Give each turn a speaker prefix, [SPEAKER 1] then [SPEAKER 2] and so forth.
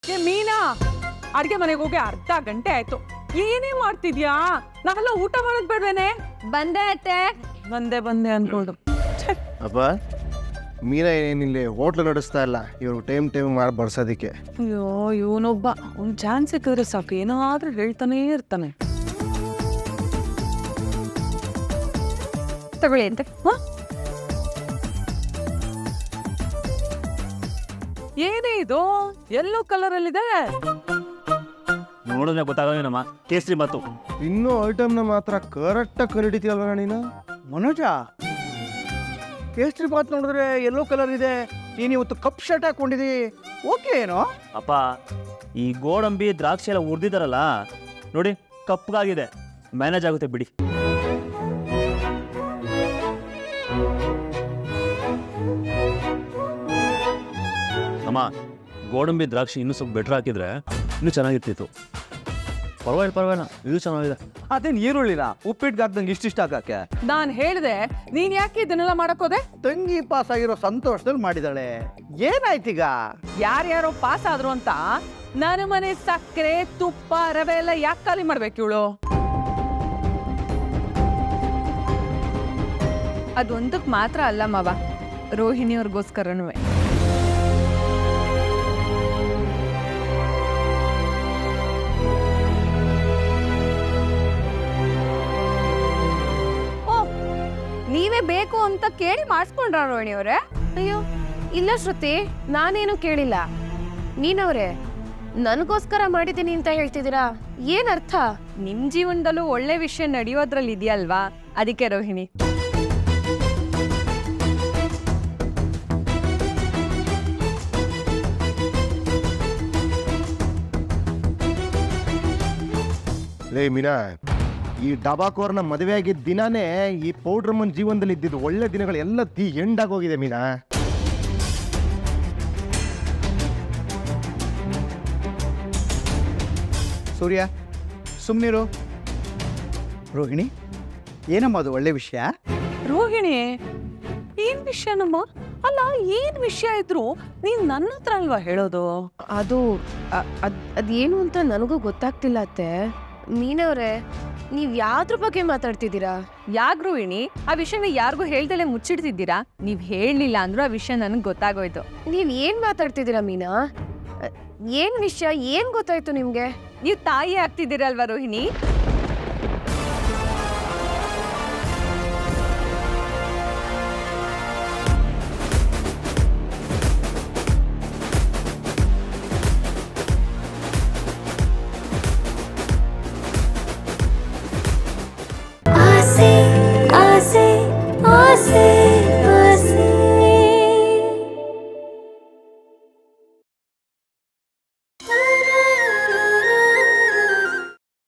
[SPEAKER 1] ಏ ಮೀನಾ, ಅಡ್ಗೆ ಮನೆಗೆ ಹೋಗಿ ಅರ್ಧ ಗಂಟೆ ಆಯ್ತು. ಏನೇ ಮಾಡ್ತಿದ್ಯಾ? ನಾವೆಲ್ಲ ಊಟ ಮಾಡೋದ್ ಬೇಡ್ವೇನೆ?
[SPEAKER 2] ಬಂದೆ ಅತ್ತೆ.
[SPEAKER 1] ಬಂದೆ ಅನ್ಕೊಂಡು.
[SPEAKER 3] ಅಪ್ಪ ಮೀರಾ ಏನಿಲ್ಲ ಹೋಟ್ಲು ನಡೆಸ್ತಾ ಇಲ್ಲ, ಇವ್ರು ಟೈಮ್ ಮಾಡಿ ಬಡ್ಸೋದಕ್ಕೆ.
[SPEAKER 1] ಅಯ್ಯೋ ಇವನೊಬ್ಬ, ಒಂದ್ ಚಾನ್ಸ್ ಸಿಕ್ಕಿದ್ರೆ ಸಾಕು ಏನಾದ್ರೂ ಹೇಳ್ತಾನೇ ಇರ್ತಾನೆ.
[SPEAKER 2] ತಗೊಳ್ಳಿ ಅಂತ.
[SPEAKER 1] ಏನೇ ಇದು ಎಲ್ಲೋ ಕಲರ್ ಅಲ್ಲಿದೆ?
[SPEAKER 4] ನೋಡಿದ್ರೆ ಗೊತ್ತಾಗೋದೇನಮ್ಮ, ಕೇಸರಿ ಬಾತು.
[SPEAKER 3] ಇನ್ನೂ ಐಟಮ್ನ ಮಾತ್ರ ಕರೆಕ್ಟಾಗಿ ಕರಿಡಿತೀಯಲ್ವ ನೀನು?
[SPEAKER 5] ಮನೋಜ, ಕೇಸರಿ ಬಾತ್ ನೋಡಿದ್ರೆ ಯೆಲ್ಲೋ ಕಲರ್ ಇದೆ, ನೀನು ಇವತ್ತು ಕಪ್ ಶರ್ಟ್ ಹಾಕೊಂಡಿದಿ, ಓಕೆ ಏನೋ?
[SPEAKER 4] ಅಪ್ಪ, ಈ ಗೋಡಂಬಿ ದ್ರಾಕ್ಷಿ ಎಲ್ಲ ಹುರಿದಿದ್ದಾರಲ್ಲ ನೋಡಿ, ಕಪ್ಪಗಾಗಿದೆ, ಮ್ಯಾನೇಜ್ ಆಗುತ್ತೆ ಬಿಡಿ. ಅಮ್ಮ, ಗೋಡಂಬಿ ದ್ರಾಕ್ಷಿ ಇನ್ನೂ ಸ್ವಲ್ಪ ಬೆಟ್ರ್ ಹಾಕಿದ್ರೆ ಇನ್ನೂ ಚೆನ್ನಾಗಿರ್ತಿತ್ತು. ಪರವಾಗಿಲ್ಲ, ಇದು ಚೆನ್ನಾಗಿದೆ.
[SPEAKER 5] ಅದೇನು ಈರುಳ್ಳಿನ ಉಪ್ಪಿಟ್ಟು ಹಾಕ್ದಂಗೆ ಇಷ್ಟಿಷ್ಟ ಹಾಕಕ್ಕೆ?
[SPEAKER 1] ನಾನ್ ಹೇಳ್ದೆ, ನೀನ್ ಯಾಕೆ ಇದನ್ನೆಲ್ಲ ಮಾಡಕ್ ಹೋದೆ?
[SPEAKER 5] ತಂಗಿ ಪಾಸ್ ಆಗಿರೋ ಸಂತೋಷದಲ್ಲಿ ಮಾಡಿದಾಳೆ, ಏನಾಯ್ತೀಗ?
[SPEAKER 1] ಯಾರ್ಯಾರೋ ಪಾಸ್ ಆದ್ರು ಅಂತ ನನ್ನ ಮನೆ ಸಕ್ಕರೆ ತುಪ್ಪ ರವೆ ಎಲ್ಲ ಯಾಕೆ ಖಾಲಿ ಮಾಡ್ಬೇಕು ಇವಳು?
[SPEAKER 2] ಅದೊಂದಕ್ಕೆ ಮಾತ್ರ ಅಲ್ಲ ಮಾವ, ರೋಹಿಣಿಯವ್ರಿಗೋಸ್ಕರನೂ. ನೀವೇ ಬೇಕು ಅಂತ ಕೇಳಿ ಮಾಡಿಸ್ಕೊಂಡ್ರ ರೋಹಿಣಿ ಅವ್ರೆ?
[SPEAKER 6] ಅಯ್ಯೋ ಇಲ್ಲ ಶ್ರುತಿ, ನಾನೇನು ಕೇಳಿಲ್ಲ. ನೀನವ್ರೆ ನನಗೋಸ್ಕರ ಮಾಡಿದ್ದೀನಿ ಅಂತ ಹೇಳ್ತಿದ್ದೀರಾ, ಏನರ್ಥ?
[SPEAKER 2] ನಿಮ್ ಜೀವನದಲ್ಲೂ ಒಳ್ಳೆ ವಿಷಯ ನಡೆಯೋದ್ರಲ್ಲಿ ಇದೆಯಲ್ವಾ, ಅದಕ್ಕೆ ರೋಹಿಣಿ.
[SPEAKER 3] ಲೇ ಮೀನಾ, ಈ ಡಬಾಕೋರ್ನ ಮದುವೆ ಆಗಿದ್ದ ದಿನಾನೇ ಈ ಪೌಡ್ರಮ್ಮನ ಜೀವನದಲ್ಲಿ ಇದ್ದಿದ್ದು ಒಳ್ಳೆ ದಿನಗಳು ಎಲ್ಲ ಎಂಡಾಗೋಗಿದೆ ಮೀನಾ.
[SPEAKER 5] ಸೂರ್ಯ, ಸುಮ್ಮನಿರು. ರೋಹಿಣಿ, ಏನಮ್ಮ ಅದು ಒಳ್ಳೆ ವಿಷಯ?
[SPEAKER 1] ರೋಹಿಣಿ, ಏನ್ ವಿಷಯನಮ್ಮ? ಅಲ್ಲ, ಏನ್ ವಿಷಯ ಇದ್ರು ನೀನ್ ನನ್ನ ಹತ್ರ ಅಲ್ವಾ ಹೇಳೋದು?
[SPEAKER 6] ಅದು ಅದೇನು ಅಂತ ನನಗೂ ಗೊತ್ತಾಗ್ತಿಲ್ಲ ಅತ್ತೆ. ಮೀನವ್ರೆ, ನೀವ್ ಯಾವ್ದ್ರ ಬಗ್ಗೆ ಮಾತಾಡ್ತಿದ್ದೀರಾ?
[SPEAKER 2] ಯಾಕ್ ರೋಹಿಣಿ, ಆ ವಿಷಯನ ಯಾರಿಗೂ ಹೇಳ್ದಲೆ ಮುಚ್ಚಿಡ್ತಿದ್ದೀರಾ? ನೀವ್ ಹೇಳಲಿಲ್ಲ ಅಂದ್ರೂ ಆ ವಿಷಯ ನನಗೆ ಗೊತ್ತಾಗೋಯ್ತು.
[SPEAKER 6] ನೀವ್ ಏನ್ ಮಾತಾಡ್ತಿದ್ದೀರಾ ಮೀನಾ? ಏನ್ ವಿಷಯ, ಏನ್ ಗೊತ್ತಾಯ್ತು ನಿಮ್ಗೆ?
[SPEAKER 2] ನೀವು ತಾಯಿ ಆಗ್ತಿದ್ದೀರಲ್ವಾ ರೋಹಿಣಿ?